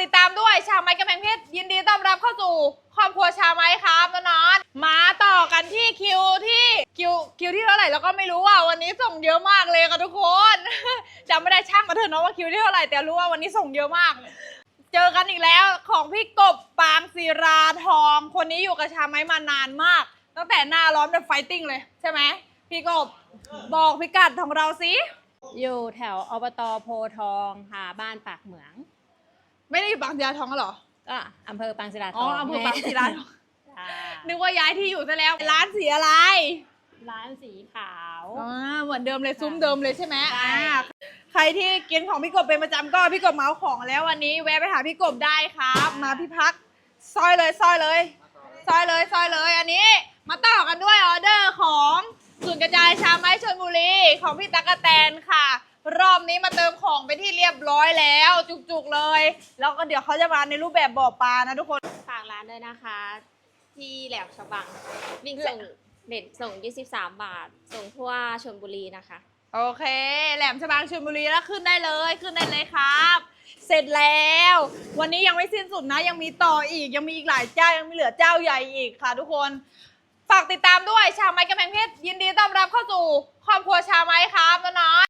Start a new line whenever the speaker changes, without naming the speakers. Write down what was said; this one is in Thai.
ติดตามด้วยชาวไม้กำแพงเพชรยินดีต้อนรับเข้าสู่ครอบครัวชาวไม้ครับน้องๆมาต่อกันที่คิวที่เท่าไหร่แล้วก็ไม่รู้อ่ะวันนี้ส่งเยอะมากเลยค่ะทุกคนจำไม่ได้ช่างมาเถอะเนาะว่าคิวที่เท่าไหร่แต่รู้ว่าวันนี้ส่งเยอะมากเจอกันอีกแล้วของพี่กบปางศิราทองคนนี้อยู่กับชาวไม้มานานมากตั้งแต่หน้าร้อนแบบไฟติ้งเลยใช่ไหมพี่กบบอกพิกัดของเราสิ
อยู่แถวอบตโพทองค่ะบ้านปากเหมือง
ไม่ได้อยู่บางศิลาทองเหรอ
ก็อำเภอปางศิลาท
อ๋อ
อง
อำเภอบางศิลาทอง
ค่ะ
นึกว่าย้ายที่อยู่ซะแล้วร้านสีอะไร
ร้านสีขาว
เหมือนเดิมเลยซุ้มเดิมเลยใช่ไหม
ใช่
ใครที่กินของพี่กบเป็นประจำก็พี่กบเมาของแล้ววันนี้แวะไปหาพี่กบได้ครับ มาพี่พักซอยเลยอันนี้มาต่อกันด้วยออเดอร์ของศูนย์กระจายชาไม้ชลบุรีของพี่ตั๊กแตนค่ะ รอบนี้มาเติมของไปที่เรียบร้อยแล้วจุกๆเลยแล้วก็เดี๋ยวเขาจะมาในรูปแบบบ่อปลานะทุกคน
ฝากร้านด้วยนะคะ ที่แหลมฉบังวิ่งส่งเด็ดส่ง 23 บาท ส่งทั่วชลบุรีนะคะ
โอเค แหลมฉบังชลบุรีแล้วขึ้นได้เลยครับ เสร็จแล้ว วันนี้ยังไม่สิ้นสุดนะยังมีต่ออีกยังมีอีกหลายเจ้ายังมีเหลือเจ้าใหญ่อีกค่ะทุกคนฝากติดตามด้วยชาวไม้กำแพงเพชรยินดีต้อนรับเข้าสู่ครอบครัวชาวไม้ครับน้องๆ